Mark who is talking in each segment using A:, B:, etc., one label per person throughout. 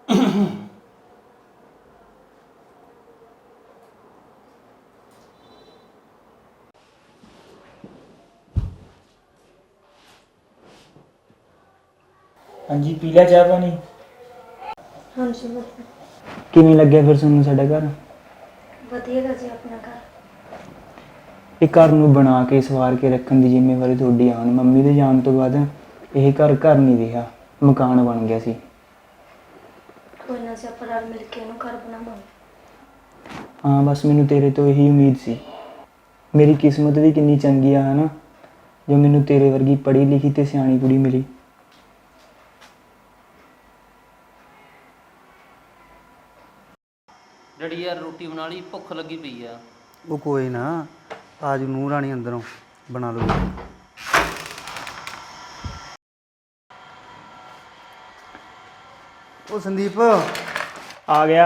A: हाँ जी, पी लिया चाह पानी?
B: हाँ जी ਵਧੀਆ।
A: किवें लग्या फिर तुहानूं साडा घर?
B: ਵਧੀਆ ਗਾ ਜੀ ਆਪਣਾ ਘਰ।
A: ਇਹ ਘਰ ਨੂੰ ਬਣਾ ਕੇ ਸਵਾਰ ਕੇ ਰੱਖਣ ਦੀ ਜ਼ਿੰਮੇਵਾਰੀ ਤੁਹਾਡੀ ਆ। ਹੁਣ ਮੰਮੀ ਦੇ ਜਾਣ ਤੋਂ ਬਾਅਦ ਇਹ ਘਰ ਨਹੀਂ ਰਿਹਾ, ਮਕਾਨ ਬਣ ਗਿਆ ਸੀ।
B: ਕੋਈ ਨਾ ਜੀ, ਆਪਾਂ ਰਲ ਮਿਲ ਕੇ ਇਹਨੂੰ ਘਰ ਬਣਾਵਾਂਗੇ।
A: ਹਾਂ, ਬਸ ਮੈਨੂੰ ਤੇਰੇ ਤੋਂ ਇਹੀ ਉਮੀਦ ਸੀ। ਮੇਰੀ ਕਿਸਮਤ ਵੀ ਕਿੰਨੀ ਚੰਗੀ ਆ ਨਾ, ਜੋ ਮੈਨੂੰ ਤੇਰੇ ਵਰਗੀ ਪੜ੍ਹੀ ਲਿਖੀ ਤੇ ਸਿਆਣੀ ਕੁੜੀ ਮਿਲੀ।
C: ਡੈਡੀ ਯਾਰ ਰੋਟੀ ਬਣਾ ਲਈ, ਭੁੱਖ ਲੱਗੀ ਪਈ ਆ।
D: ਉਹ ਕੋਈ ਨਾ, ਆਜ ਨੂੰਹ ਰਾਣੀ ਅੰਦਰੋਂ ਬਣਾ ਲਓ। ਉਹ ਸੰਦੀਪ
A: ਆ ਗਿਆ।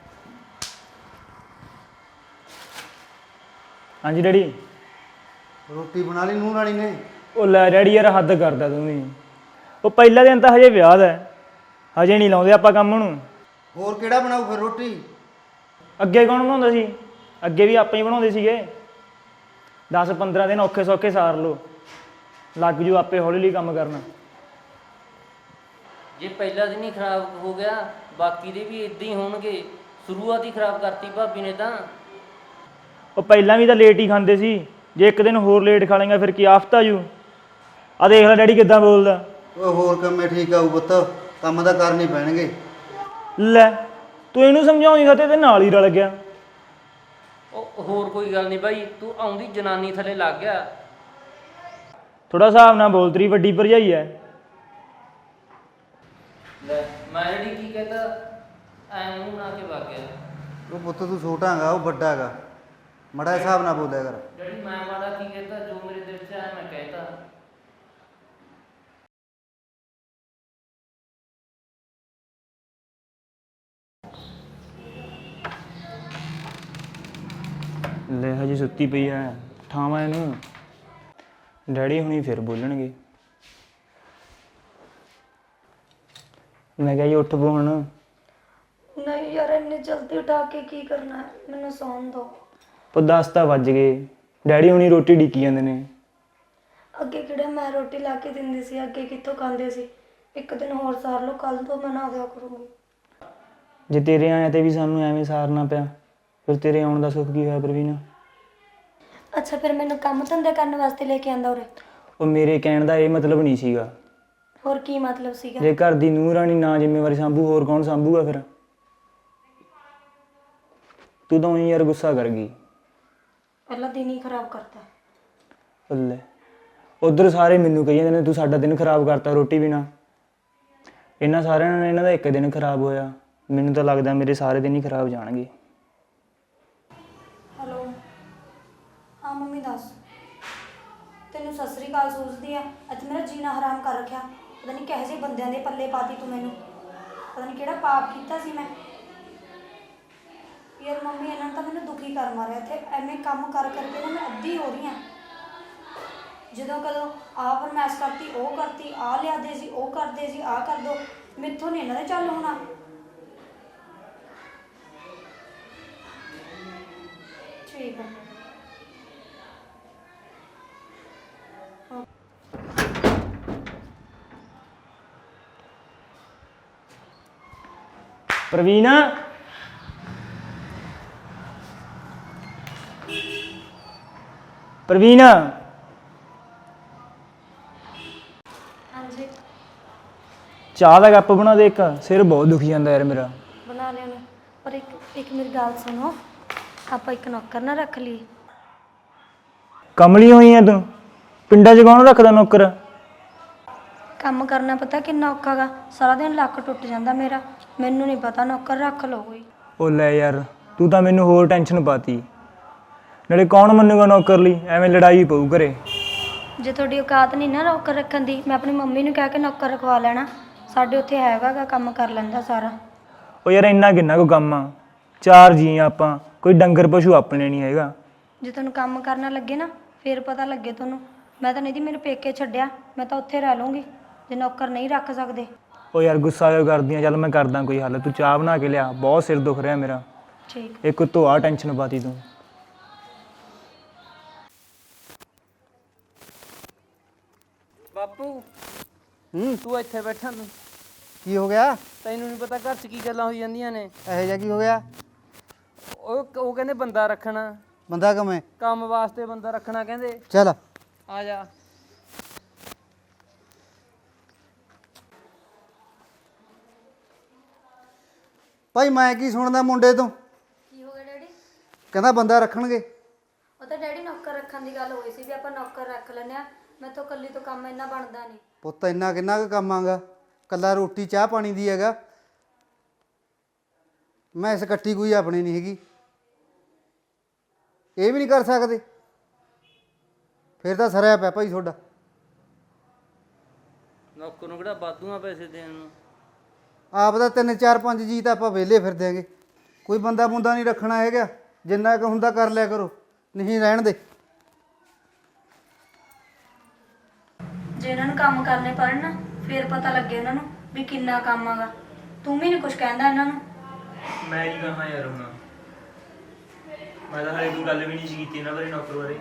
A: ਹਾਂਜੀ ਡੈਡੀ।
D: ਰੋਟੀ ਬਣਾ ਲਈ ਨੂੰਹ ਰਾਣੀ ਨੇ?
A: ਉਹ ਲੈ ਡੈਡੀ ਯਾਰ, ਹੱਦ ਕਰਦਾ ਤੂੰ ਵੀ। ਉਹ ਪਹਿਲਾ ਦਿਨ ਤਾਂ ਹਜੇ ਵਿਆਹ ਦਾ, ਹਜੇ ਨਹੀਂ ਲਾਉਂਦੇ ਆਪਾਂ ਕੰਮ ਨੂੰ।
D: ਹੋਰ ਕਿਹੜਾ ਬਣਾਊ ਫਿਰ ਰੋਟੀ?
A: ਅੱਗੇ ਕੌਣ ਬਣਾਉਂਦਾ ਸੀ? ਅੱਗੇ ਵੀ ਆਪਾਂ ਹੀ ਬਣਾਉਂਦੇ ਸੀਗੇ। 10-15 ਦਿਨ ਔਖੇ ਸੌਖੇ ਸਾਰ ਲਓ, ਲੱਗ ਜੂ ਆਪੇ ਹੌਲੀ ਹੌਲੀ ਕੰਮ ਕਰਨਾ।
C: ਜੇ ਪਹਿਲਾ ਦਿਨ ਹੀ ਖਰਾਬ ਹੋ ਗਿਆ, ਬਾਕੀ ਦੇ ਵੀ ਇਦਾਂ ਹੀ ਹੋਣਗੇ। ਸ਼ੁਰੂਆਤ ਹੀ ਖਰਾਬ ਕਰਤੀ ਭਾਬੀ ਨੇ ਤਾਂ।
A: ਉਹ ਪਹਿਲਾਂ ਵੀ ਤਾਂ ਲੇਟ ਹੀ ਖਾਂਦੇ ਸੀ, ਜੇ ਇੱਕ ਦਿਨ ਹੋਰ ਲੇਟ ਖਾ ਲੇਗਾ ਫਿਰ ਕੀ ਆਫਤ ਆ ਜੂ। ਆ ਦੇਖ ਲੈ ਡੈਡੀ ਕਿੱਦਾਂ ਬੋਲਦਾ।
D: ਉਹ ਹੋਰ ਕੰਮੇ ਠੀਕ ਆਊ ਪੁੱਤ, ਕੰਮ ਤਾਂ ਕਰਨੇ ਪੈਣਗੇ।
A: ਲੈ ਤੂੰ ਇਹਨੂੰ ਸਮਝਾਉਂਗਾ ਤੇ ਨਾਲ ਹੀ ਰਲ ਗਿਆ।
C: ਉਹ ਹੋਰ ਕੋਈ ਗੱਲ ਨਹੀਂ ਬਾਈ, ਤੂੰ ਆਉਂਦੀ ਜਨਾਨੀ ਥੱਲੇ ਲੱਗ ਗਿਆ।
A: ਥੋੜਾ ਹਿਸਾਬ ਨਾਲ ਬੋਲ, ਤੇਰੀ ਵੱਡੀ ਭਰਜਾਈ ਐ।
C: ਲੈ ਮੈਂ ਜਿਹੜੀ ਕੀ ਕਹਿੰਦਾ, ਐ ਮੂੰਹ ਬਣਾ ਕੇ ਵਗ ਗਿਆ।
D: ਉਹ ਪੁੱਤ ਤੂੰ ਛੋਟਾ ਹੈਗਾ, ਉਹ ਵੱਡਾ ਹੈਗਾ, ਮੜਾ ਹਿਸਾਬ ਨਾਲ ਬੋਲਿਆ ਕਰ।
C: ਡੈਡੀ ਮੈਂ ਮਾੜਾ ਕੀ ਕਹਿੰਦਾ, ਜੋ ਮੇਰੇ ਦਿਲ 'ਚ ਆਇਆ ਮੈਂ ਕਹਿਤਾ।
A: ਲੈ ਹਜੇ ਸੁੱਤੀ ਪਈ ਐ, ਠਾਵਾਂ ਇਹਨੂੰ। ਡੈਡੀ ਹੁਣੀ ਫਿਰ ਬੋਲਣਗੇ। ਮੈਂ ਕਿਹਾ ਜੀ ਉੱਠ ਪੋ ਹੁਣ।
B: ਨਹੀਂ ਯਾਰ, ਇੰਨੀ ਜਲਦੀ ਉਠਾ ਕੇ ਕੀ ਕਰਨਾ ਹੈ, ਮੈਨੂੰ ਸੌਣ ਦਿਓ।
A: ਉਹ 10 ਤਾਂ ਵੱਜ ਗਏ, ਡੈਡੀ ਹੁਣੀ ਰੋਟੀ ਢੀਕੀ ਜਾਂਦੇ ਨੇ।
B: ਅੱਗੇ ਕਿਹੜੇ ਮੈਂ ਰੋਟੀ ਲਾ ਕੇ ਦਿੰਦੀ ਸੀ, ਅੱਗੇ ਕਿੱਥੋਂ ਖਾਂਦੇ ਸੀ। ਇੱਕ ਦਿਨ ਹੋਰ ਸਾਰ ਲਓ, ਕੱਲ ਤੋਂ ਮੈਂ ਨਾ ਦਿਆ ਕਰੂੰਗੀ।
A: ਜੇ ਤੇਰੇ ਆਇਆ ਤੇ ਵੀ ਸਾਨੂੰ ਐਵੇਂ ਸਾਰਨਾ ਪਿਆ, ਫਿਰ ਤੇਰੇ ਆਉਣ ਦਾ ਸੁੱਖ ਕੀ ਹੋਇਆ ਪ੍ਰਵੀਨ?
B: ਅੱਛਾ, ਫਿਰ ਮੈਨੂੰ ਕੰਮ ਧੰਦੇ ਕਰਨ ਵਾਸਤੇ ਲੈ ਕੇ ਆਂਦਾ ਉਰੇ?
A: ਉਹ ਮੇਰੇ ਕਹਿਣ ਦਾ ਇਹ ਮਤਲਬ ਨਹੀਂ ਸੀਗਾ।
B: ਹੋਰ ਕੀ ਮਤਲਬ ਸੀਗਾ?
A: ਜੇ ਘਰ ਦੀ ਨੂੰਹ ਰਾਣੀ ਨਾ ਜ਼ਿੰਮੇਵਾਰੀ ਸੰਭੂ, ਹੋਰ ਕੌਣ ਸੰਭੂਗਾ ਫਿਰ? ਤੂੰ ਤਾਂ ਉਹੀ ਯਾਰ ਗੁੱਸਾ ਕਰ ਗਈ।
B: ਪਹਿਲਾਂ ਦਿਨ ਹੀ ਖਰਾਬ ਕਰਤਾ।
A: ਲੈ ਉਧਰ ਸਾਰੇ ਮੈਨੂੰ ਕਹੀ ਜਾਂਦੇ ਨੇ ਤੂੰ ਸਾਡਾ ਦਿਨ ਖਰਾਬ ਕਰਤਾ ਰੋਟੀ ਬਿਨਾ। ਇਹਨਾਂ ਸਾਰਿਆਂ ਨਾਲ ਇਹਨਾਂ ਦਾ ਇੱਕ ਦਿਨ ਖਰਾਬ ਹੋਇਆ, ਮੈਨੂੰ ਤਾਂ ਲੱਗਦਾ ਮੇਰੇ ਸਾਰੇ ਦਿਨ ਹੀ ਖਰਾਬ ਜਾਣਗੇ।
B: ਹੈਲੋ, ਹਾਂ ਮੰਮੀ ਦੱਸ। ਤੈਨੂੰ ਸਤਿ ਸ੍ਰੀ ਅਕਾਲ ਸੋਚਦੀ ਆ, ਅੱਜ ਮੇਰਾ ਜੀਣਾ ਹਰਾਮ ਕਰ ਰੱਖਿਆ। ਪਤਾ ਨਹੀਂ ਕਿਹੋ ਜਿਹੇ ਬੰਦਿਆਂ ਦੇ ਪੱਲੇ ਪਾਤੀ ਤੂੰ ਮੈਨੂੰ, ਪਤਾ ਨਹੀਂ ਕਿਹੜਾ ਪਾਪ ਕੀਤਾ ਸੀ ਮੈਂ। ਯਾਰ ਮੰਮੀ ਇਹਨਾਂ ਨੇ ਤਾਂ ਮੈਨੂੰ ਦੁਖੀ ਕਰ ਮਾਰਿਆ ਇੱਥੇ। ਐਵੇਂ ਕੰਮ ਕਰ ਕਰਕੇ ਨਾ ਮੈਂ ਅੱਧੀ ਹੋ ਰਹੀ ਹਾਂ। ਜਦੋਂ ਕਦੋਂ ਆਹ ਫਰਮੈਸ਼ ਕਰਤੀ, ਉਹ ਕਰਤੀ, ਆਹ ਲਿਆਦੇ ਸੀ, ਉਹ ਕਰਦੇ ਸੀ, ਆਹ ਕਰ ਦੋ। ਮੈਥੋਂ ਨਹੀਂ ਇਹਨਾਂ ਦੇ ਚੱਲ ਹੋਣਾ। ਠੀਕ ਆ।
A: ਪ੍ਰਵੀਨ, ਪ੍ਰਵੀਨ
B: ਹਾਂਜੀ
A: ਚਾਹ ਦਾ ਕੱਪ ਬਣਾ ਦੇ ਇੱਕ, ਸਿਰ ਬਹੁਤ ਦੁਖੀ ਜਾਂਦਾ ਯਾਰ ਮੇਰਾ।
B: ਬਣਾ ਲਿਆ ਨੇ, ਪਰ ਇੱਕ ਮੇਰੀ ਗੱਲ ਸੁਣੋ, ਆਪਾਂ ਇੱਕ ਨੌਕਰ ਨਾ ਰੱਖ ਲਈ।
A: ਕਮਲੀ ਹੋਈ ਐ ਤੂੰ? ਪਿੰਡਾਂ 'ਚ ਕੌਣ ਰੱਖਦਾ ਨੌਕਰ?
B: ਕੰਮ ਕਰਨਾ ਪਤਾ ਕਿੰਨਾ ਔਖਾ ਗਾ, ਸਾਰਾ ਦਿਨ ਲੱਕ ਟੁੱਟ ਜਾਂਦਾ ਮੇਰਾ। ਮੈਨੂੰ ਨਹੀਂ ਪਤਾ, ਨੌਕਰ ਰੱਖ ਲਓ ਕੋਈ।
A: ਉਹ ਲੈ ਯਾਰ, ਤੂੰ ਤਾਂ ਮੈਨੂੰ ਹੋਰ ਟੈਨਸ਼ਨ ਪਾਤੀ। ਨਾਲੇ ਕੌਣ ਮੰਨੂਗਾ ਨੌਕਰ ਲਈ, ਐਵੇਂ ਲੜਾਈ ਪਊ ਘਰੇ।
B: ਜੇ ਤੁਹਾਡੀ ਔਕਾਤ ਨਹੀਂ ਨਾ ਨੌਕਰ ਰੱਖਣ ਦੀ, ਮੈਂ ਆਪਣੀ ਮੰਮੀ ਨੂੰ ਕਹਿ ਕੇ ਨੌਕਰ ਰਖਵਾ ਲੈਣਾ। ਸਾਡੇ ਉੱਥੇ ਹੈਗਾ ਗਾ, ਕੰਮ ਕਰ ਲੈਂਦਾ ਸਾਰਾ।
A: ਉਹ ਯਾਰ ਇੰਨਾ ਕਿੰਨਾ ਕੋ ਕੰਮ ਆ, 4 ਜੀ ਆਪਾਂ, ਕੋਈ ਡੰਗਰ ਪਸ਼ੂ ਆਪਣੇ ਨਹੀਂ ਹੈਗਾ।
B: ਜੇ ਤੁਹਾਨੂੰ ਕੰਮ ਕਰਨਾ ਲੱਗੇ ਨਾ, ਫਿਰ ਪਤਾ ਲੱਗੇ ਤੁਹਾਨੂੰ। ਮੈਂ ਤਾਂ ਨਹੀਂ ਜੀ, ਮੈਨੂੰ ਪੇਕੇ ਛੱਡਿਆ, ਮੈਂ ਤਾਂ ਉੱਥੇ ਰਹਿ ਲੂੰਗੀ ਜੇ ਨੌਕਰ ਨਹੀਂ ਰੱਖ ਸਕਦੇ।
A: ਉਹ ਯਾਰ ਗੁੱਸਾ ਕਿਉਂ ਕਰਦੀ ਆ? ਚੱਲ ਮੈਂ ਕਰਦਾ ਕੋਈ ਹੱਲ, ਤੂੰ ਚਾਹ ਬਣਾ ਕੇ ਲਿਆ, ਬਹੁਤ ਸਿਰ ਦੁਖ ਰਿਹਾ ਮੇਰਾ।
B: ਠੀਕ।
A: ਇੱਕ ਉੱਤੋਂ ਆ ਟੈਨਸ਼ਨ ਪਾਤੀ ਤੂੰ।
C: ਬਾਪੂ
D: ਹੂੰ
C: ਤੂੰ ਇੱਥੇ ਬੈਠਾ ਤੂੰ,
D: ਕੀ ਹੋ ਗਿਆ?
C: ਤੈਨੂੰ ਨਹੀਂ ਪਤਾ ਘਰ 'ਚ ਕੀ ਗੱਲਾਂ ਹੋਈ ਜਾਂਦੀਆਂ ਨੇ।
D: ਇਹੋ ਜਿਹਾ ਕੀ ਹੋ ਗਿਆ?
C: ਉਹ ਕਹਿੰਦੇ ਬੰਦਾ ਰੱਖਣਾ,
D: ਬੰਦਾ ਕਮੇ
C: ਕੰਮ ਵਾਸਤੇ ਬੰਦਾ ਰੱਖਣਾ ਕਹਿੰਦੇ।
D: ਚੱਲ।
C: ਆ ਜਾ।
D: ਭਾਈ ਮੈਂ ਕੀ ਸੁਣਦਾ ਮੁੰਡੇ ਤੋਂ?
B: ਕੀ ਹੋ ਗਿਆ ਡੈਡੀ?
D: ਕਹਿੰਦਾ ਬੰਦਾ ਰੱਖਣਗੇ।
B: ਉਹ ਤਾਂ ਡੈਡੀ ਨੌਕਰ ਰੱਖਣ ਦੀ ਗੱਲ ਹੋਈ ਸੀ ਵੀ ਆਪਾਂ ਨੌਕਰ ਰੱਖ ਲੈਂਦੇ ਆ। ਮੈਥੋਂ ਇਕੱਲੀ ਤੋਂ ਕੰਮ ਇੰਨਾ ਬਣਦਾ ਨਹੀਂ।
D: ਪੁੱਤ ਇੰਨਾ ਕਿੰਨਾ ਕੁ ਕੰਮ ਆਗਾ? ਕੱਲਾ ਰੋਟੀ ਚਾਹ ਪਾਣੀ ਦੀ ਹੈਗਾ। ਮੈਂ ਇਸ ਇਕੱਠੀ ਕੋਈ ਆਪਣੀ ਨਹੀਂ ਹੈਗੀ। ਇਹ ਵੀ ਨਹੀਂ ਕਰ ਸਕਦੇ? ਫਿਰ ਤਾਂ ਸਰਿਆ ਪਿਆ ਭਾਈ ਤੁਹਾਡਾ।
C: ਨੌਕਰ ਨੂੰ ਕਿਹੜਾ ਵਾਧੂਆਂ ਪੈਸੇ ਦੇਣ ਨੂੰ।
D: ਆਪ ਦਾ 3 4 5 ਜੀ ਤਾਂ ਆਪਾਂ ਵਿਹਲੇ ਫਿਰ ਦਿਆਂਗੇ। ਕੋਈ ਬੰਦਾ ਬੁੰਦਾ ਨਹੀਂ ਰੱਖਣਾ ਹੈਗਾ। ਜਿੰਨਾ ਕੁ ਹੁੰਦਾ ਕਰ ਲਿਆ ਕਰੋ, ਨਹੀਂ ਰਹਿਣ ਦੇ।
B: ਜੇ ਇਹਨਾਂ ਨੂੰ ਕੰਮ ਕਰਨੇ ਪੈਣ ਨਾ ਫੇਰ ਪਤਾ ਲੱਗੇ ਉਹਨਾਂ ਨੂੰ ਵੀ ਕਿੰਨਾ ਕੰਮ ਆਗਾ। ਤੂੰ ਵੀ ਨਹੀਂ ਕੁਝ ਕਹਿੰਦਾ ਇਹਨਾਂ ਨੂੰ।
A: ਮੈਂ ਕੀ ਕਹਾਂ ਯਾਰ ਹੁਣ, ਮੈਂ ਤਾਂ ਹਾਲੇ ਕੋਈ ਗੱਲ ਵੀ ਨਹੀਂ ਸੀ ਕੀਤੀ ਇਹਨਾਂ ਬਾਰੇ, ਨੌਕਰ ਬਾਰੇ।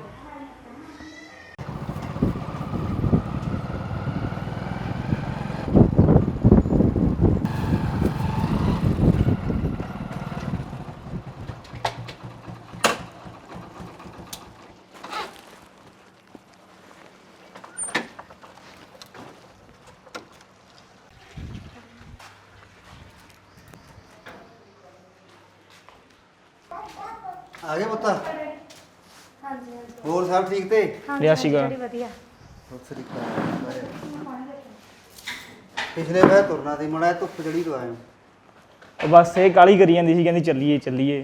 D: ਆ ਗਏ ਪੁੱਤ?
B: ਹਾਂਜੀ ਹਾਂਜੀ।
D: ਹੋਰ ਸਭ ਠੀਕ ਤੇ?
A: ਲਿਆ ਸੀਗਾ।
B: ਵਧੀਆ।
D: ਸਤਿ ਪਿਛਲੇ ਵਾਰ ਤੁਰਨਾ ਸੀ ਮੜਾ, ਧੁੱਪ ਜੜੀ ਤੋਂ ਆਏ।
A: ਉਹ ਬਸ ਇਹ ਕਾਲੀ ਕਰੀ ਜਾਂਦੀ ਸੀ, ਕਹਿੰਦੀ ਚੱਲੀਏ ਚੱਲੀਏ।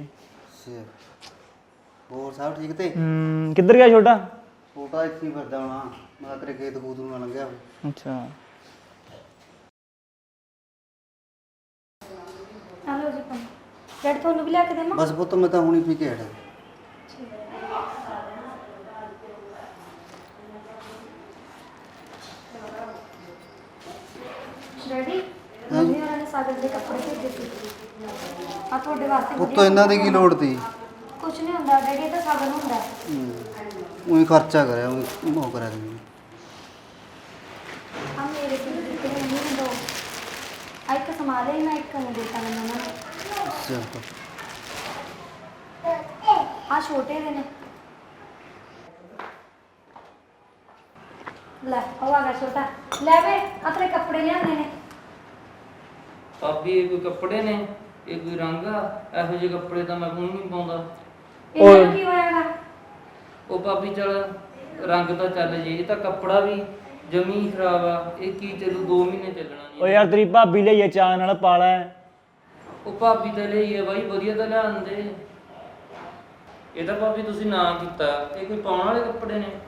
D: ਹੋਰ ਸਭ ਠੀਕ ਤੇ?
A: ਕਿੱਧਰ ਗਿਆ ਛੋਟਾ?
D: ਛੋਟਾ ਇੱਥੇ ਹੀ ਫਿਰਦਾ ਹੋਣਾ, ਮੈਂ ਤੇਰੇ ਖੇਤ ਖੂਤ ਨੂੰ ਨਾ ਲੰਘਿਆ ਹੋਵੇ।
A: ਅੱਛਾ।
B: ਹਲੋ ਜੀ ਪਾਣੀ। ਡੈਡ ਤੁਹਾਨੂੰ ਵੀ ਲਿਆ ਕੇ ਦੇਵਾਂ?
D: ਬਸ ਪੁੱਤ ਮੈਂ ਤਾਂ ਹੁਣੀ ਪੀ ਕੇ ਹਟਿਆ।
B: ਡੈਡੀ ਮੰਮੀ ਹੋਰਾਂ ਨੇ ਸਾਗਰ ਦੇ ਕੱਪੜੇ ਭੇਜੇ ਸੀ। ਆ ਤੁਹਾਡੇ ਵਾਸਤੇ
D: ਪੁੱਤ ਇਹਨਾਂ ਦੀ ਕੀ ਲੋੜ ਤੀ?
B: ਕੁਝ ਨਹੀਂ ਹੁੰਦਾ ਡੈਡੀ, ਇਹ ਤਾਂ ਸਾਗਰ ਨੂੰ ਹੁੰਦਾ।
D: ਉਹੀ ਖਰਚਾ ਕਰਿਆ, ਉਹ ਕਰਿਆ ਤੂੰ।
B: ਆ ਮੇਰੇ ਕੋਲ ਦਿੱਤੇ ਨੇ ਮੰਮੀ ਨੇ ਦੋ। ਆ ਇੱਕ ਸੰਭਾਲੇ ਨਾ, ਇੱਕ ਨੂੰ ਦੇਤਾ ਮੈਨੂੰ ਉਹਨਾਂ ਨੇ।
D: ਅੱਛਾ।
B: ਆ ਛੋਟੇ ਦੇ ਨੇ। ਲੈ ਉਹ ਆ ਗਿਆ ਛੋਟਾ। ਲੈ ਵੇ ਆ ਤੇਰੇ ਕੱਪੜੇ ਲਿਆਂਦੇ ਨੇ।
C: ਭਾਬੀ ਇਹ ਕੋਈ ਕੱਪੜੇ ਨੇ, ਇਹ ਕੋਈ ਰੰਗ ਆ? ਇਹੋ ਜਿਹੇ ਕੱਪੜੇ ਤਾਂ ਮੈਂ ਕੋਈ ਨਹੀਂ ਪਾਉਂਦਾ।
B: ਇਹਨਾਂ ਨੂੰ ਕੀ ਹੋਇਆਗਾ?
C: ਉਹ ਭਾਬੀ ਚਲ ਰੰਗ ਤਾਂ ਚੱਲ ਜੇ, ਇਹ ਤਾਂ ਕੱਪੜਾ ਵੀ ਜਮੀ ਖਰਾਬ ਆ। ਇਹ ਕੀ ਚੱਲੂ, 2 ਮਹੀਨੇ ਚੱਲਣਾ
A: ਉਹ
C: ਨਹੀਂ।
A: ਯਾਰ ਤੇਰੀ ਭਾਬੀ ਲਈਏ ਚਾਹ ਨਾਲ ਪਾਲਾ।
C: ਉਹ ਭਾਬੀ ਤਾਂ ਲਈ ਆ ਬਾਈ, ਵਧੀਆ ਤਾਂ ਲਿਆਂਦੇ। ਇਹ ਤਾਂ ਭਾਬੀ ਤੁਸੀਂ ਨਾ ਕੀਤਾ, ਇਹ ਕੋਈ ਪਾਉਣ ਵਾਲੇ ਕੱਪੜੇ ਨੇ?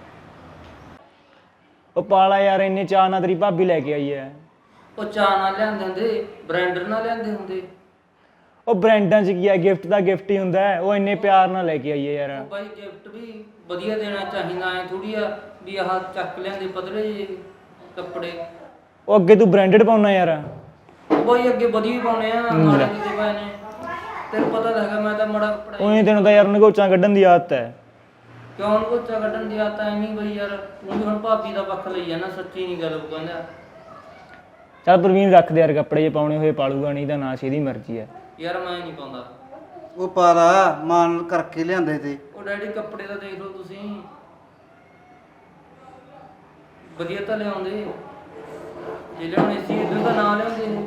A: ਉਹ ਪਾਲਾ ਯਾਰ, ਇੰਨੇ ਚਾਹ ਨਾਲ ਤੇਰੀ ਭਾਬੀ ਲੈ ਕੇ ਆਈ ਐ।
C: ਉਹ ਚਾਹ ਨਾਲ ਲਿਆਂਦੇ ਹੁੰਦੇ, ਬ੍ਰਾਂਡਰ ਨਾਲ ਲਿਆਂਦੇ ਹੁੰਦੇ।
A: ਉਹ ਬ੍ਰਾਂਡਾਂ 'ਚ ਕੀ ਆ, ਗਿਫਟ ਦਾ ਗਿਫਟ ਹੀ ਹੁੰਦਾ ਹੈ। ਉਹ ਇੰਨੇ ਪਿਆਰ ਨਾਲ ਲੈ ਕੇ ਆਈ ਐ ਯਾਰ।
C: ਉਹ ਬਾਈ ਗਿਫਟ ਵੀ ਵਧੀਆ ਦੇਣਾ ਚਾਹੀਦਾ, ਐ ਥੋੜੀ ਆ ਵੀ ਆਹ ਚੱਕ ਲਿਆਂਦੇ ਪਤਲੇ ਜਿਹੇ ਕੱਪੜੇ।
A: ਉਹ ਅੱਗੇ ਤੂੰ ਬ੍ਰਾਂਡਡ ਪਾਉਣਾ ਯਾਰ।
C: ਉਹ ਬਾਈ ਅੱਗੇ ਵਧੀਆ ਹੀ ਪਾਉਣੇ ਆ, ਮਾੜੇ ਕਿਤੇ ਪਾਏ ਨੇ। ਤੈਨੂੰ ਪਤਾ ਤਾਂ ਹੈਗਾ ਮੈਂ ਤਾਂ ਮਾੜਾ ਕੱਪੜਾ ਹੀ-
A: ਉਹਨੇ ਤੈਨੂੰ ਤਾਂ ਯਾਰ ਨਗੋਚਾਂ ਕੱਢਣ ਦੀ ਆਦਤ ਹੈ।
C: ਕਿਉਂ ਨਗੋਚਾ ਕੱਢਣ ਦੀ ਆਦਤ ਐਵੇਂ ਹੀ ਬਈ ਯਾਰ। ਤੂੰ ਵੀ ਹੁਣ ਭਾਬੀ ਦਾ ਪੱਖ ਲਈ ਜਾਣਾ, ਸੱਚੀ ਨਹੀਂ ਗੱਲ ਉਹ ਕਹਿੰਦਾ।
A: ਚੱਲ ਪ੍ਰਵੀਨ ਰੱਖ ਦੇ ਯਾਰ, ਕੱਪੜੇ ਜੇ ਪਾਉਣੇ ਹੋਏ ਪਾਲੂਗਾ, ਨਹੀਂ ਤਾਂ ਨਾ, ਇਹਦੀ ਮਰਜ਼ੀ ਹੈ।
C: ਯਾਰ ਮੈਂ ਨਹੀਂ ਪਾਉਂਦਾ।
D: ਉਹ ਪਾਲਾ ਮਾਨ ਕਰਕੇ ਲਿਆਂਦੇ ਤੇ।
C: ਉਹ ਡੈਡੀ ਕੱਪੜੇ ਤਾਂ ਦੇਖ ਲਓ ਤੁਸੀਂ, ਵਧੀਆ ਤਾਂ ਲਿਆਉਂਦੇ। ਜੇ ਲਿਆਉਣੇ ਸੀ ਇਦੋਂ ਤਾਂ ਨਾ ਲਿਆਉਂਦੇ।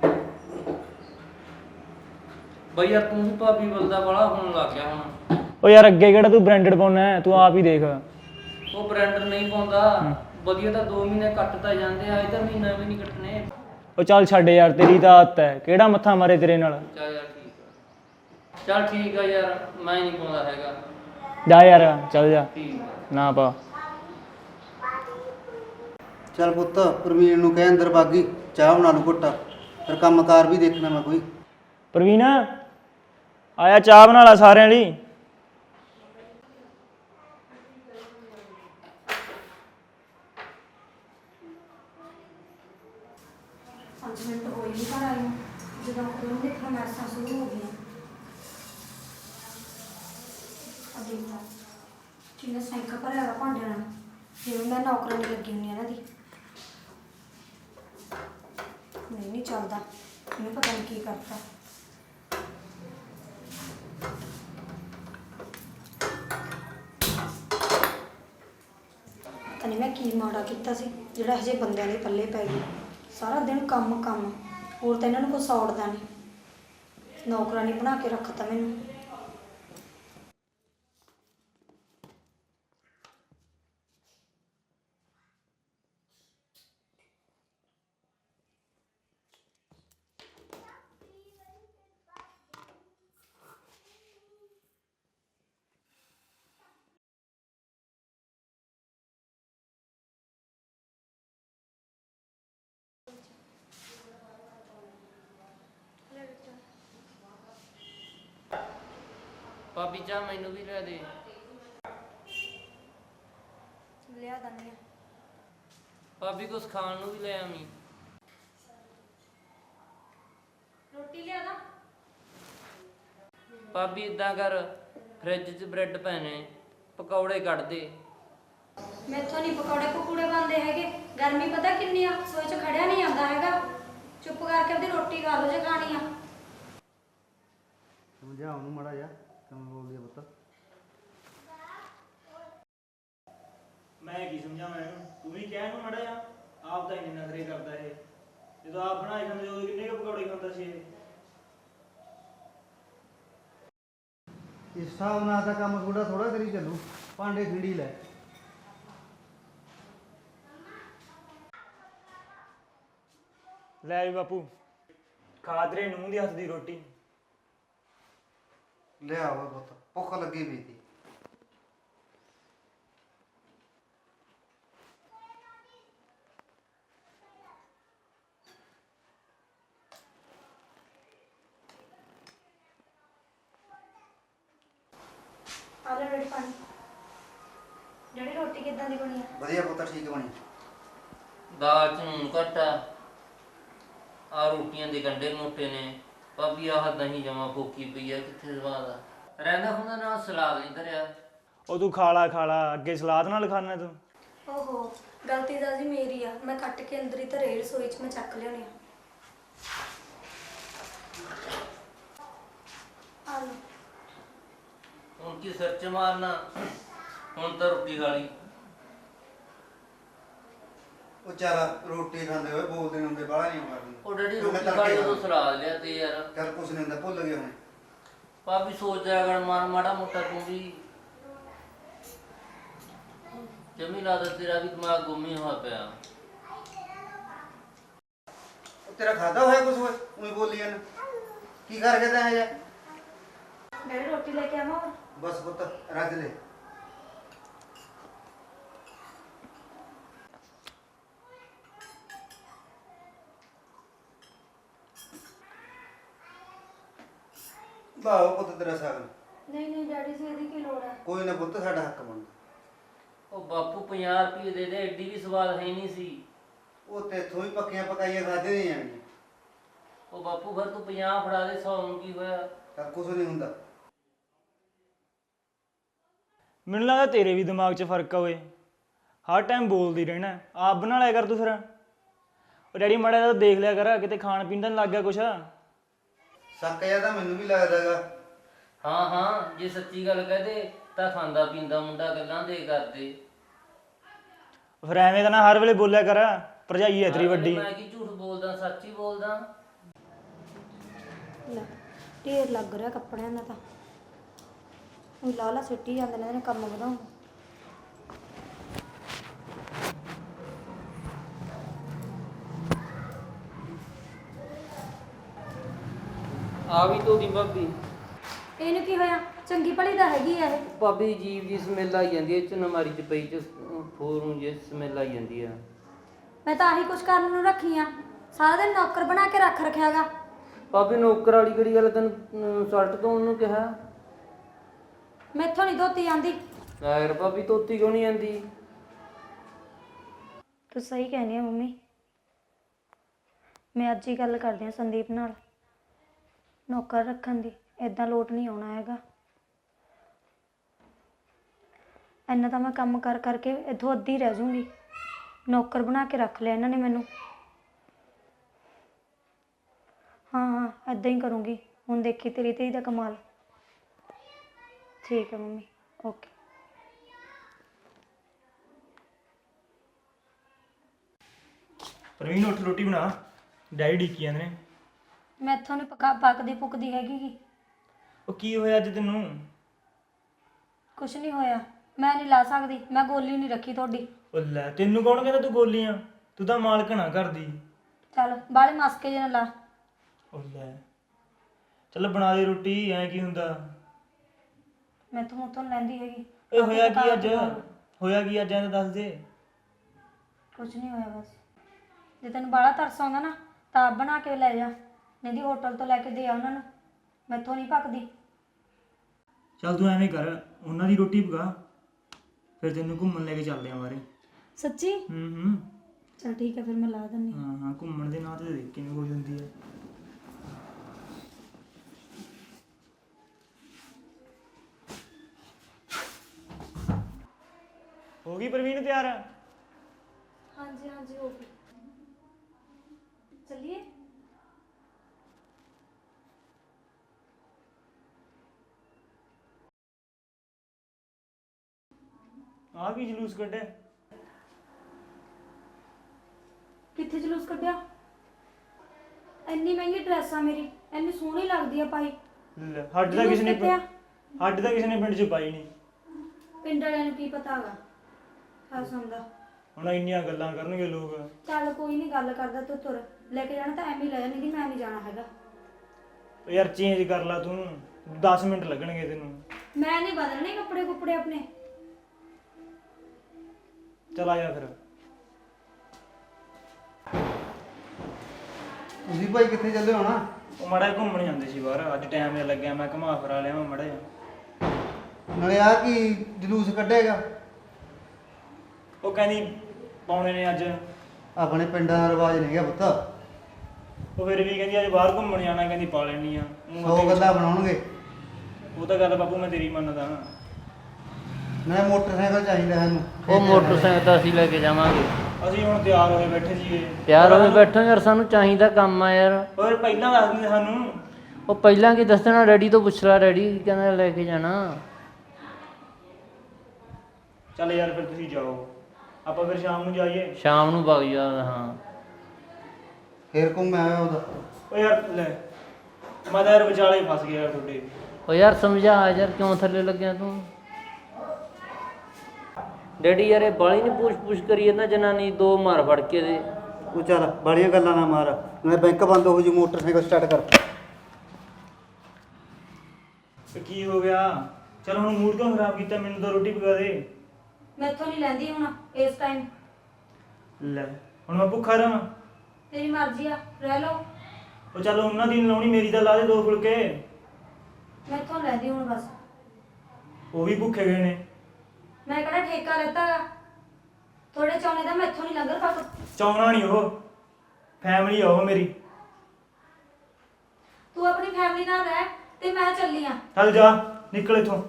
C: ਬਈ ਯਾਰ ਤੂੰ ਵੀ ਭਾਬੀ ਬਲਦਾ ਵਾਲਾ ਹੋਣ ਲੱਗ ਗਿਆ ਹੁਣ।
A: ਉਹ ਯਾਰ ਅੱਗੇ ਕਿਹੜਾ ਤੂੰ ਬ੍ਰਾਂਡਡ ਪਾਉਣਾ ਹੈ, ਤੂੰ ਆਪ ਹੀ ਦੇਖ।
C: ਉਹ ਬ੍ਰਾਂਡਰ ਨਹੀਂ ਪਾਉਂਦਾ, ਵਧੀਆ ਤਾਂ 2 ਮਹੀਨੇ ਕੱਟ ਤਾਂ ਜਾਂਦੇ ਆ, ਇਹ ਤਾਂ ਮਹੀਨਾ ਵੀ ਨਹੀਂ ਕੱਟਣੇ।
A: ਉਹ ਚੱਲ ਛੱਡ ਯਾਰ, ਤੇਰੀ ਤਾਂ ਆਦਤ ਹੈ, ਕਿਹੜਾ ਮੱਥਾ ਮਾਰੇ ਤੇਰੇ ਨਾਲ।
C: ਚੱਲ ਯਾਰ ਠੀਕ ਆ, ਚੱਲ ਠੀਕ ਆ ਯਾਰ, ਮੈਂ ਨਹੀਂ ਪਾਉਂਦਾ ਹੈਗਾ।
A: ਜਾ ਯਾਰ, ਚੱਲ ਜਾ,
C: ਠੀਕ ਆ।
A: ਨਾ ਪਾ।
D: ਚੱਲ ਪੁੱਤ ਪ੍ਰਵੀਨ ਨੂੰ ਕਹਿ ਅੰਦਰ ਬਾਗੀ, ਚਾਹ ਬਣਾ ਲੂ ਘੁੱਟਾ, ਫਿਰ ਕੰਮਕਾਰ ਵੀ ਦੇਖਣਾ ਮੈਂ ਕੋਈ।
A: ਪ੍ਰਵੀਨ ਆਇਆ, ਚਾਹ ਬਣਾ ਲਾ ਸਾਰਿਆਂ ਲਈ।
B: ਉਦੋਂ ਦੇ ਫਰਮਾਇਸ਼ਾਂ ਸ਼ੁਰੂ ਹੋ ਗਈਆਂ। ਆ ਦੇਖ ਲਾ ਕਿੰਨਾ ਸੈਂਕਾ ਭਰਿਆ ਹੋਇਆ ਭਾਂਡਿਆਂ ਨਾਲ, ਜਿਵੇਂ ਮੈਂ ਨੌਕਰਾਨੀ ਲੱਗੀ ਹੁੰਦੀ ਇਹਨਾਂ ਦੀ। ਨਹੀਂ ਚੱਲਦਾ, ਇਹਨੂੰ ਪਤਾ ਨਹੀਂ ਕੀ ਕਰਤਾ। ਪਤਾ ਨਹੀਂ ਮੈਂ ਕੀ ਮਾੜਾ ਕੀਤਾ ਸੀ ਜਿਹੜਾ ਹਜੇ ਬੰਦਿਆਂ ਦੇ ਪੱਲੇ ਪੈ ਗਈ। ਸਾਰਾ ਦਿਨ ਕੰਮ ਕੰਮ, ਹੋਰ ਤਾਂ ਇਹਨਾਂ ਨੂੰ ਕੁਛ ਸੌੜਦਾ ਨਹੀਂ। ਨੌਕਰਾਨੀ ਬਣਾ ਕੇ ਰੱਖਤਾ ਮੈਨੂੰ।
C: ਭਾਬੀ ਚਾਹ ਮੈਨੂੰ ਵੀ ਲੈ ਦੇ।
B: ਲਿਆ ਦੰਨੀ ਆ।
C: ਭਾਬੀ ਕੁਛ ਖਾਣ ਨੂੰ ਵੀ ਲੈ ਆਵੀਂ।
B: ਰੋਟੀ ਲਿਆ ਦਾ।
C: ਭਾਬੀ ਇਦਾਂ ਕਰ, ਫ੍ਰਿਜ 'ਚ ਬ੍ਰੈਡ ਪਏ ਨੇ, ਪਕੌੜੇ ਕੱਢ ਦੇ।
B: ਮੈਥੋਂ ਨਹੀਂ ਪਕੌੜੇ ਪਕੂੜੇ ਬਣਦੇ ਹੈਗੇ। ਗਰਮੀ ਪਤਾ ਕਿੰਨੀ ਆ, ਸੋਏ 'ਚ ਖੜਿਆ ਨਹੀਂ ਜਾਂਦਾ ਹੈਗਾ। ਚੁੱਪ ਕਰਕੇ ਆਪਣੀ ਰੋਟੀ ਖਾ ਲਓ ਜੇ ਖਾਣੀ ਆ।
D: ਸਮਝਾ ਉਹਨੂੰ ਮਾੜਾ ਜਿਹਾ ਕਿਵੇਂ ਬੋਲਦੀ ਆ ਪੁੱਤ।
A: ਮੈਂ ਕੀ ਸਮਝਾਵਾਂ ਇਹਨੂੰ, ਤੂੰ ਵੀ ਕਹਿ ਇਹਨੂੰ ਮੜਾ ਜਾ। ਆਪ ਤਾਂ ਇੰਨੇ ਨਖਰੇ ਕਰਦਾ ਇਹ, ਜਦੋਂ ਆਪ ਬਣਾਏ ਖਾਂਦੇ ਉਦੋਂ ਕਿੰਨੇ ਕੁ ਪਕੌੜੇ ਖਾਂਦਾ ਸੀ ਇਹ।
D: ਇਸ ਹਿਸਾਬ ਨਾਲ ਤਾਂ ਕੰਮ ਥੋੜਾ ਥੋੜਾ ਕਰੀ ਚੱਲੂ। ਭਾਂਡੇ ਖਿੰਡੀ ਲੈ।
A: ਲੈ ਵੀ ਬਾਪੂ, ਖਾ ਤੇਰੇ ਨੂੰਹ ਦੀ ਹੱਥ ਦੀ ਰੋਟੀ।
D: ਲਿਆ ਓਏ ਪੁੱਤ, ਭੁੱਖ ਲੱਗੀ ਪਈ ਤੀ।
B: ਆ ਲੈ ਰੋਟੀ ਪਾਣੀ। ਜਿਹੜੀ ਰੋਟੀ ਕਿੱਦਾਂ ਦੀ ਬਣੀ ਆ?
D: ਵਧੀਆ ਪੁੱਤ, ਠੀਕ ਬਣੀ।
C: ਦਾਲ 'ਚ ਨੂਣ ਘੱਟ ਆ ਰੋਟੀਆਂ ਦੇ ਗੰਢੇ ਮੋਟੇ ਨੇ। ਭਾਬੀ ਆਹ ਦਹੀਂ ਜਮਾ ਫੋਕੀ ਪਈ ਆ, ਕਿੱਥੇ ਸਵਾਦ ਆ। ਰਹਿੰਦਾ ਹੁੰਦਾ ਨਾ ਸਲਾਦ ਨਹੀਂ ਧਰਿਆ।
A: ਉਹ ਤੂੰ ਖਾ ਲਾ, ਅੱਗੇ ਸਲਾਦ ਨਾਲ ਖਾਣਾ ਤੂੰ।
B: ਓਹੋ, ਗਲਤੀ ਤਾਂ ਜੀ ਮੇਰੀ ਆ। ਮੈਂ ਕੱਟ ਕੇ ਅੰਦਰ ਹੀ ਧਰੇ ਰਸੋਈ 'ਚ ਮੈਂ ਚੱਕ ਲਿਆਉਣੀ ਆ। ਆ ਲਓ।
C: ਹੁਣ ਕੀ ਸਿਰ 'ਚ ਮਾਰਨਾ, ਹੁਣ ਤਾਂ ਰੋਟੀ ਖਾ ਲਈ।
D: ਉਹ ਚੱਲ ਰੋਟੀ ਖਾਂਦੇ ਹੋਏ ਬੋਲਦੇ ਹੁੰਦੇ ਬਾਹਲਾ ਨਹੀਂ ਕਰਨੀ।
C: ਉਹ ਡੈਡੀ ਰੋਟੀ ਖਾ ਲਈ ਉਦੋਂ ਸਲਾਦ ਲਿਆ ਤੇ ਯਾਰ।
D: ਚੱਲ ਕੁਛ ਨਹੀਂ ਹੁੰਦਾ, ਭੁੱਲ ਗਏ ਹੁਣ।
C: ਭਾਬੀ ਸੋਚ ਜਾਇਆ ਕਰ ਮਾੜਾ ਮੋਟਾ ਤੂੰ ਵੀ। ਜਮੀ ਲੱਗਦਾ ਤੇਰਾ ਵੀ ਦਿਮਾਗ ਗੁੰਮ ਹੀ ਹੋਇਆ ਪਿਆ।
D: ਉਹ ਤੇਰਾ ਖਾਦਾ ਹੋਇਆ ਕੁਛ ਹੋਏ ਉਹੀ ਬੋਲੀ ਜਾਂਦਾ। ਕੀ ਕਰਕੇ ਤਾਂ ਇਹ
B: ਡੈਡੀ ਰੋਟੀ ਲੈ ਕੇ ਆਵਾਂ?
D: ਬਸ ਪੁੱਤ ਰੱਜ ਲੈ। ਬਾਹੋ ਪੁੱਤ ਤੇਰਾ ਸਾਗਨ।
B: ਨਹੀਂ ਨਹੀਂ ਡੈਡੀ ਜੀ, ਇਹਦੀ ਕੀ ਲੋੜ ਆ?
D: ਕੋਈ ਨਾ ਪੁੱਤ, ਸਾਡਾ ਹੱਕ ਬਣਦਾ।
C: ਉਹ ਬਾਪੂ 50 ਰੁਪਏ ਦੇ ਦੇ, ਐਡੀ ਵੀ ਸਵਾਦ ਹੈ ਨਹੀਂ ਸੀ।
D: ਉਹ ਤੇਥੋਂ ਹੀ ਪੱਕੀਆਂ ਪਕਾਈਆਂ ਖਾਦੇ ਨਹੀਂ ਜਾਣੀਆਂ।
C: ਉਹ ਬਾਪੂ ਫਿਰ ਤੂੰ 50 ਫੜਾ ਦੇ, 100 ਨੂੰ ਕੀ ਹੋਇਆ।
D: ਤਾਂ ਕੁਛ ਨਹੀਂ ਹੁੰਦਾ।
A: ਮੈਨੂੰ ਲੱਗਦਾ ਤੇਰੇ ਵੀ ਦਿਮਾਗ 'ਚ ਫਰਕ ਆ ਓਏ, ਹਰ ਟਾਈਮ ਬੋਲਦੀ ਰਹਿਣਾ। ਆਪ ਬਣਾ ਲਿਆ ਕਰ ਤੂੰ ਫਿਰ। ਉਹ ਡੈਡੀ ਮਾੜਾ ਜਿਹਾ ਦੇਖ ਲਿਆ ਕਰ, ਕਿਤੇ ਖਾਣ ਪੀਣ ਦਾ ਨਹੀਂ ਲੱਗ ਗਿਆ ਕੁਛ।
D: ਸ਼ੱਕ ਜਿਹਾ ਤਾਂ ਮੈਨੂੰ ਵੀ ਲੱਗਦਾ ਗਾ।
C: ਹਾਂ ਜੇ ਸੱਚੀ ਗੱਲ ਕਹਦੇ ਤਾਂ ਖਾਂਦਾ ਪੀਂਦਾ ਮੁੰਡਾ, ਗੱਲਾਂ ਦੇ ਕਰਦੇ।
A: ਫਿਰ ਐਵੇਂ ਤਾਂ ਨਾ ਹਰ ਵੇਲੇ ਬੋਲਿਆ ਕਰ, ਭਰਜਾਈ ਹੈ ਤੇਰੀ ਵੱਡੀ।
C: ਮੈਂ ਕੀ ਝੂਠ ਬੋਲਦਾ, ਸੱਚ ਹੀ ਬੋਲਦਾ।
B: ਲੈ ਢੇਰ ਲੱਗ ਰਿਹਾ ਕੱਪੜਿਆਂ ਦਾ ਤਾਂ। ਉਹ ਲਾਲਾ ਸਿੱਟੀ ਜਾਂਦੇ ਨੇ ਕੰਮ ਵਧਾਉਣ।
C: ਆ ਵੀ ਧੋਦੀ ਭਾਬੀ।
B: ਇਹਨੂੰ ਕੀ ਹੋਇਆ? ਚੰਗੀ ਭਲੀ ਤਾਂ ਹੈਗੀ ਆ ਇਹ।
C: ਭਾਬੀ ਜੀਵ ਜੀ ਸਮੈਲ ਆਈ ਜਾਂਦੀ ਹੈ, ਨਮਾਰੀ ਚ ਪਈ ਚ ਫੋਰੂ ਜੇ ਸਮੈਲ ਆਈ ਜਾਂਦੀ ਆ।
B: ਮੈਂ ਤਾਂ ਆਹੀ ਕੁਛ ਕਰਨ ਨੂੰ ਰੱਖੀ ਆ। ਸਾਰਾ ਦਿਨ ਨੌਕਰ ਬਣਾ ਕੇ ਰੱਖ ਰੱਖਿਆਗਾ।
C: ਭਾਬੀ ਨੌਕਰ ਵਾਲੀ ਕਿਹੜੀ ਗੱਲ, ਤੈਨੂੰ ਸ਼ਰਟ ਧੋਣ ਨੂੰ ਕਿਹਾ।
B: ਮੈਥੋਂ ਨਹੀਂ ਧੋਤੀ ਜਾਂਦੀ।
C: ਯਾਰ ਭਾਬੀ ਧੋਤੀ ਕਿਉਂ ਨਹੀਂ ਜਾਂਦੀ?
B: ਤੂੰ ਸਹੀ ਕਹਿੰਦੀ ਆ ਮੰਮੀ। ਮੈਂ ਅੱਜ ਹੀ ਗੱਲ ਕਰਦੀ ਆ ਸੰਦੀਪ ਨਾਲ। ਨੌਕਰ ਰੱਖਣ ਦੀ ਇਦਾਂ ਲੋਟ ਨਹੀਂ ਆਉਣਾ ਹੈਗਾ। ਇੰਨਾ ਤਾਂ ਮੈਂ ਕੰਮ ਕਰ ਕਰਕੇ ਇੱਥੋਂ ਅੱਧੀ ਰਹਿ ਜੂੰਗੀ। ਨੌਕਰ ਬਣਾ ਕੇ ਰੱਖ ਲਿਆ ਇਹਨਾਂ ਨੇ ਮੈਨੂੰ। ਹਾਂ ਇਦਾਂ ਹੀ ਕਰੂੰਗੀ। ਹੁਣ ਦੇਖੀ ਤੇਰੀ ਧੀ ਦਾ ਕਮਾਲ। ਠੀਕ ਹੈ ਮੰਮੀ, ਓਕੇ।
A: ਪ੍ਰਵੀਨ ਉੱਠ ਰੋਟੀ ਬਣਾ, ਡੈਡੀ ਡੀਕੀ ਜਾਂਦੇ ਨੇ।
B: ਮੈਂ ਇੱਥੋਂ ਨਹੀਂ ਪੱਕਦੀ ਪੁੱਕਦੀ ਹੈਗੀ ਗੀ।
A: ਉਹ ਕੀ ਹੋਇਆ ਅੱਜ ਤੈਨੂੰ?
B: ਕੁਛ ਨਹੀਂ ਹੋਇਆ। ਮੈਂ ਨਹੀਂ ਲਾ ਸਕਦੀ, ਮੈਂ ਗੋਲੀ ਨਹੀਂ ਰੱਖੀ ਤੁਹਾਡੀ।
A: ਉਹ ਲੈ, ਤੈਨੂੰ ਕੌਣ ਕਹਿੰਦਾ ਤੂੰ ਗੋਲੀਆਂ? ਤੂੰ ਤਾਂ ਮਾਲਕਣ ਆ ਘਰ ਦੀ।
B: ਚੱਲ ਬਾਹਲੇ ਮਸਕੇ ਜਿਹੇ ਨਾ ਲਾ।
A: ਉਹ ਲੈ, ਚੱਲ ਬਣਾ ਦੇ ਰੋਟੀ, ਐਂ ਕੀ ਹੁੰਦਾ?
B: ਮੈਂ ਤੋਂ ਮੂੰਹ ਤੋਂ ਨੀ ਲੈਂਦੀ ਹੈਗੀ।
A: ਓਏ ਹੋਇਆ ਕੀ ਅੱਜ? ਹੋਇਆ ਕੀ ਅੱਜ, ਐਂ ਤਾਂ ਦੱਸ ਦੇ।
B: ਕੁਛ ਨਹੀਂ ਹੋਇਆ ਬਸ। ਜੇ ਤੈਨੂੰ ਬਾਹਲਾ ਤਰਸ ਆਉਂਦਾ ਨਾ ਤਾਂ ਆਪ ਬਣਾ ਕੇ ਲੈ ਜਾ, ਨਹੀਂ ਦੀ ਹੋਟਲ ਤੋਂ ਲੈ ਕੇ ਦੇ ਆ ਉਹਨਾਂ ਨੂੰ। ਮੈਥੋਂ ਨਹੀਂ ਪੱਕਦੀ।
A: ਚੱਲ ਤੂੰ ਐਵੇਂ ਕਰ, ਉਹਨਾਂ ਦੀ ਰੋਟੀ ਪਕਾ, ਫਿਰ ਤੈਨੂੰ ਘੁੰਮਣ ਲੈ ਕੇ ਚੱਲਦੇ ਆਂ ਬਾਰੇ।
B: ਸੱਚੀ?
A: ਹੂੰ।
B: ਚਲ ਠੀਕ ਹੈ, ਫਿਰ ਮੈਂ ਲਾ ਦਿੰਦੀ।
A: ਹਾਂ, ਘੁੰਮਣ ਦੇ ਨਾਂ ਤੇ ਦੇਖ ਕਿਵੇਂ ਹੋ ਜਾਂਦੀ ਹੈ। ਹੋ ਗਈ ਪ੍ਰਵੀਨ ਤਿਆਰ?
B: ਹਾਂਜੀ ਹੋ ਗਈ। ਚੱਲੀਏ?
A: ਆ ਕੀ ਜਲੂਸ ਕੱਢਿਆ?
B: ਕਿੱਥੇ ਜਲੂਸ ਕੱਢਿਆ? ਇੰਨੀ ਮਹਿੰਗੀ ਡਰੈਸ ਆ ਮੇਰੀ, ਇੰਨੀ ਸੋਹਣੀ ਲੱਗਦੀ ਆ ਪਾਈ।
A: ਲੈ, ਹੱਡ ਤਾਂ ਕਿਸੇ ਨੇ ਪਿੰਡ 'ਚ ਪਾਈ ਨਹੀਂ।
B: ਪਿੰਡ ਵਾਲਿਆਂ ਨੂੰ ਕੀ ਪਤਾ ਹੈਗਾ ਖਾਸਮ ਦਾ।
A: ਹੁਣ ਇੰਨੀਆਂ ਗੱਲਾਂ ਕਰਨਗੇ ਲੋਕ।
B: ਚੱਲ ਕੋਈ ਨਹੀਂ, ਗੱਲ ਕਰਦਾ ਤੂੰ ਤੁਰ। ਲੈ ਕੇ ਜਾਣਾ ਤਾਂ ਐਵੇਂ ਹੀ ਲੈ ਜਾ, ਨਹੀਂ ਮੈਂ ਨਹੀਂ ਜਾਣਾ ਹੈਗਾ।
A: ਉਹ ਯਾਰ ਚੇਂਜ ਕਰ ਲਾ ਤੂੰ, 10 ਮਿੰਟ ਲੱਗਣਗੇ ਤੈਨੂੰ।
B: ਮੈਂ ਨਹੀਂ ਬਦਲਣੇ ਕੱਪੜੇ ਆਪਣੇ।
A: ਚੱਲ ਆ ਜਾ ਫਿਰ।
D: ਤੁਸੀਂ ਭਾਈ ਕਿੱਥੇ ਚੱਲੇ ਹੋ ਨਾ?
A: ਉਹ ਮਾੜਾ ਜਿਹਾ ਘੁੰਮਣ ਜਾਂਦੇ ਸੀ ਬਾਹਰ, ਅੱਜ ਟਾਈਮ ਜਿਹਾ ਲੱਗਿਆ, ਮੈਂ ਘੁਮਾ ਫਿਰਾ ਲਿਆ ਮਾੜਾ ਜਿਹਾ।
D: ਨਾਲੇ ਆ ਕੀ ਜਲੂਸ ਕੱਢੇਗਾ?
A: ਉਹ ਕਹਿੰਦੀ ਪਾਉਣੇ ਨੇ ਅੱਜ।
D: ਆਪਣੇ ਪਿੰਡਾਂ ਦਾ ਰਿਵਾਜ ਨਹੀਂ ਹੈਗਾ ਪੁੱਤ।
A: ਉਹ ਫਿਰ ਵੀ ਕਹਿੰਦੀ ਅੱਜ ਬਾਹਰ ਘੁੰਮਣ ਜਾਣਾ, ਕਹਿੰਦੀ ਪਾ ਲੈਣੀ ਆ।
D: 100 ਗੱਲਾਂ ਬਣਾਉਣਗੇ।
A: ਉਹ ਤਾਂ ਗੱਲ ਬਾਪੂ ਮੈਂ ਤੇਰੀ ਮੰਨਦਾ ਨਾ।
D: ਨਾਲੇ ਮੋਟਰਸਾਈਕਲ ਚਾਹੀਦਾ ਸਾਨੂੰ।
C: ਉਹ ਮੋਟਰਸਾਈਕਲ ਤਾਂ ਅਸੀਂ ਲੈ ਕੇ ਜਾਵਾਂਗੇ।
A: ਅਸੀਂ ਹੁਣ ਤਿਆਰ ਹੋਏ ਬੈਠੇ ਸੀਗੇ।
C: ਤਿਆਰ ਹੋਏ ਬੈਠੋ ਯਾਰ, ਸਾਨੂੰ ਚਾਹੀਦਾ ਕੰਮ ਆ ਯਾਰ।
A: ਹੋਰ ਪਹਿਲਾਂ ਦੱਸ ਦਿੰਦੇ ਸਾਨੂੰ।
C: ਉਹ ਪਹਿਲਾਂ ਕੀ ਦੱਸਣਾ, ਡੈਡੀ ਤੋਂ ਪੁੱਛ ਲਾ, ਡੈਡੀ ਕਹਿੰਦਾ ਲੈ ਕੇ ਜਾਣਾ।
A: ਚੱਲ ਯਾਰ ਫਿਰ ਤੁਸੀਂ ਜਾਓ, ਆਪਾਂ ਫਿਰ ਸ਼ਾਮ ਨੂੰ ਜਾਈਏ।
C: ਸ਼ਾਮ ਨੂੰ ਵਗ ਜਾ। ਹਾਂ
D: ਫੇਰ ਘੁੰਮ ਆਇਆ ਉਹਦਾ।
A: ਉਹ ਯਾਰ ਲੈ, ਮੈਂ ਤਾਂ ਯਾਰ ਵਿਚਾਲੇ ਫਸ ਗਿਆ ਯਾਰ ਤੁਹਾਡੇ।
C: ਉਹ ਯਾਰ ਸਮਝਾ ਯਾਰ, ਕਿਉਂ ਥੱਲੇ ਲੱਗਿਆ ਤੂੰ? ਡੈਡੀ ਯਾਰ ਇਹ ਬਾਲੀ ਨਹੀਂ ਪੁੱਛ ਕਰੀ ਜਾਂਦਾ, ਜਨਾਨੀ ਦੋ ਮਾਰ ਫੜ ਕੇ ਦੇ।
D: ਉਹ ਚੱਲ ਬੜੀਆਂ ਗੱਲਾਂ ਨਾ ਮਾਰ, ਨਾਲੇ ਬੈਂਕ ਬੰਦ ਹੋ ਜੂ, ਮੋਟਰਸਾਈਕਲ ਸਟਾਰਟ ਕਰ।
A: ਤੇ ਕੀ ਹੋ ਗਿਆ? ਚਲ ਹੁਣ ਮੂਡ ਕਿਉਂ ਖਰਾਬ ਕੀਤਾ? ਮੈਨੂੰ ਤਾਂ ਰੋਟੀ ਪਕਾ ਦੇ।
B: ਮੈਥੋਂ ਨਹੀਂ ਲੈਂਦੀ ਹੁਣ ਇਸ ਟਾਈਮ।
A: ਲੈ ਹੁਣ ਮੈਂ ਭੁੱਖਾ ਰਹਾਂ?
B: ਤੇਰੀ ਮਰਜ਼ੀ ਆ, ਰਹਿ ਲਓ।
A: ਉਹ ਚੱਲ ਉਹਨਾਂ ਦੀ ਨੀ ਲਾਉਣੀ, ਮੇਰੀ ਤਾਂ ਲਾ ਦੇ 2 ਫੁਲਕੇ।
B: ਮੈਥੋਂ ਲੈਂਦੀ ਹੁਣ ਬਸ।
A: ਉਹ ਵੀ ਭੁੱਖੇ ਗਏ ਨੇ।
B: ਮੈਂ ਕਿਹੜਾ ਠੇਕਾ ਲੈਤਾ ਗਾ? ਥੋੜੇ ਚਾਉਣੇ ਦਾ ਮੈਥੋਂ ਨਹੀਂ ਲੰਗਰ ਪੱਕ।
A: ਚਾਹੁੰਦਾ ਨਹੀਂ, ਉਹ ਫੈਮਿਲੀ ਆ ਉਹ ਮੇਰੀ।
B: ਤੂੰ ਆਪਣੀ ਫੈਮਿਲੀ ਨਾਲ ਰਹਿ ਤੇ ਮੈਂ ਚੱਲੀ ਆ।
A: ਚੱਲ ਜਾ, ਨਿਕਲ ਇੱਥੋਂ।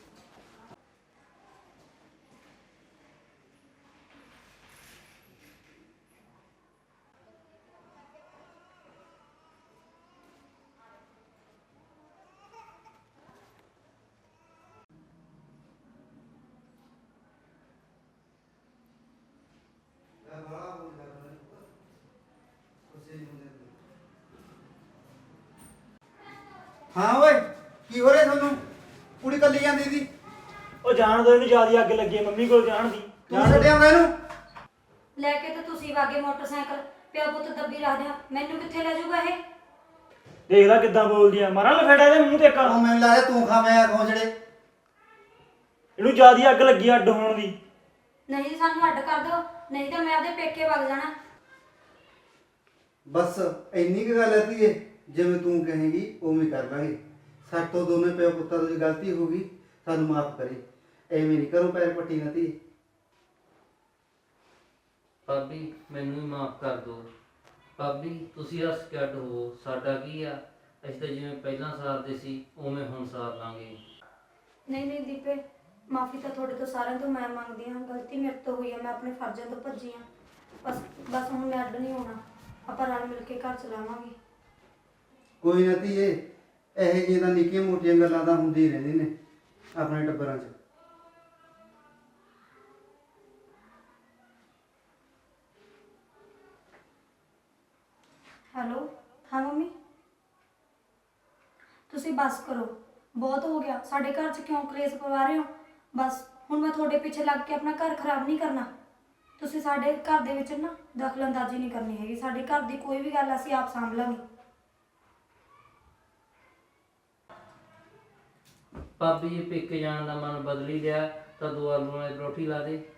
D: ਹਾਂ ਓਏ, ਕੀ ਹੋ ਰਿਹਾ ਤੁਹਾਨੂੰ? ਕੁੜੀ ਕੱਲੀ ਜਾਂਦੀ ਸੀ।
A: ਉਹ ਜਾਣ ਦੋ ਇਹਨੂੰ, ਜਿਆਦਾ ਅੱਗ ਲੱਗੀ ਹੈ ਮੰਮੀ ਕੋਲ ਜਾਣ ਦੀ।
D: ਤੂੰ ਛੱਡਿਆ ਹੁੰਦਾ ਇਹਨੂੰ?
B: ਲੈ ਕੇ ਤਾਂ ਤੁਸੀਂ ਵਾਗੇ ਮੋਟਰਸਾਈਕਲ, ਪਿਓ ਪੁੱਤ ਦੱਬੀ ਰੱਖਦੇ ਆ। ਮੈਨੂੰ ਕਿੱਥੇ ਲੈ ਜਾਊਗਾ ਇਹ?
A: ਦੇਖ ਲੈ ਕਿੱਦਾਂ ਬੋਲਦੀ ਆ, ਮਾਰਾਂ ਲਫੇੜਾ ਦੇ ਮੂੰਹ ਤੇ ਇੱਕ।
D: ਉਹ ਮੈਨੂੰ ਲੱਗਦਾ ਤੂੰ ਖਾਵੇਂਗਾ ਖੋਜੜੇ।
A: ਇਹਨੂੰ ਜਿਆਦਾ ਅੱਗ ਲੱਗੀ ਅੱਡ ਹੋਣ ਦੀ।
B: ਨਹੀਂ ਜੀ, ਸਾਨੂੰ ਅੱਡ ਕਰ ਦਿਓ, ਨਹੀਂ ਤਾਂ ਮੈਂ ਆਪਦੇ ਪੇਕੇ ਵਗ ਜਾਣਾ।
D: ਬਸ ਇੰਨੀ ਕੁ ਗੱਲ ਹੈ ਧੀਏ, ਜਿਵੇਂ ਤੂੰ ਕਹੇਂਗੀ ਉਵੇਂ ਕਰ ਲਾਂਗੇ। ਸਾਡੇ ਤੋਂ ਦੋਨੇ ਪਿਓ ਪੁੱਤਾਂ ਤੋਂ ਜੇ ਗਲਤੀ ਹੋ ਗਈ ਸਾਨੂੰ ਮਾਫ ਕਰੀ। ਐਵੇਂ ਨਹੀਂ ਕਰੋ ਪੈਰ ਪੱਟੀ ਨਾ ਧੀਏ।
C: ਭਾਬੀ ਮੈਨੂੰ ਹੀ ਮਾਫ ਕਰ ਦਿਓ। ਭਾਬੀ ਤੁਸੀਂ ਹੱਸ ਕੇ ਅੱਡ ਹੋ, ਸਾਡਾ ਕੀ ਆ? ਅਸੀਂ ਤਾਂ ਜਿਵੇਂ ਪਹਿਲਾਂ ਸਾਰਦੇ ਸੀ ਉਵੇਂ ਹੁਣ ਸਾਰ ਲਾਂਗੇ।
B: ਨਹੀਂ ਨਹੀਂ ਦੀਪੇ, ਮਾਫੀ ਤਾਂ ਤੁਹਾਡੇ ਤੋਂ ਸਾਰਿਆਂ ਤੋਂ ਮੈਂ ਮੰਗਦੀ ਹਾਂ। ਗਲਤੀ ਮੇਰੇ ਤੋਂ ਹੋਈ ਹੈ, ਮੈਂ ਆਪਣੇ ਫਰਜ਼ਾਂ ਤੋਂ ਭੱਜੀ ਹਾਂ। ਬਸ ਬਸ ਹੁਣ ਮੈਂ ਅੱਡ ਨਹੀਂ ਹੋਣਾ, ਆਪਾਂ ਰਲ ਮਿਲ ਕੇ ਘਰ ਚਲਾਵਾਂਗੇ।
D: ਕੋਈ ਨਾ ਧੀਏ, ਇਹੋ ਜਿਹੀਆਂ ਤਾਂ ਨਿੱਕੀਆਂ ਮੋਟੀਆਂ ਗੱਲਾਂ ਤਾਂ ਹੁੰਦੀ ਰਹਿੰਦੀ ਨੇ ਆਪਣੇ ਟੱਬਰਾਂ 'ਚ।
B: ਹੈਲੋ, ਹਾਂ ਮੰਮੀ। ਤੁਸੀਂ ਬਸ ਕਰੋ, ਬਹੁਤ ਹੋ ਗਿਆ। ਸਾਡੇ ਘਰ 'ਚ ਕਿਉਂ ਕਲੇਸ਼ ਪਵਾ ਰਹੇ ਹੋ? ਬਸ ਹੁਣ ਮੈਂ ਤੁਹਾਡੇ ਪਿੱਛੇ ਲੱਗ ਕੇ ਆਪਣਾ ਘਰ ਖਰਾਬ ਨਹੀਂ ਕਰਨਾ। ਤੁਸੀਂ ਸਾਡੇ ਘਰ ਦੇ ਵਿੱਚ ਨਾ ਦਖਲਅੰਦਾਜ਼ੀ ਨਹੀਂ ਕਰਨੀ ਹੈਗੀ। ਸਾਡੇ ਘਰ ਦੀ ਕੋਈ ਵੀ ਗੱਲ ਅਸੀਂ ਆਪ ਸਾਂਭ ਲਾਂਗੇ।
C: ਭਾਬੀ ਜੇ ਪੇਕੇ ਜਾਣ ਦਾ ਮਨ ਬਦਲ ਹੀ ਲਿਆ ਤਾਂ 2 ਆਲੂਆਂ ਦੀ ਪਰੌਠੀ ਲਾ ਦੇ।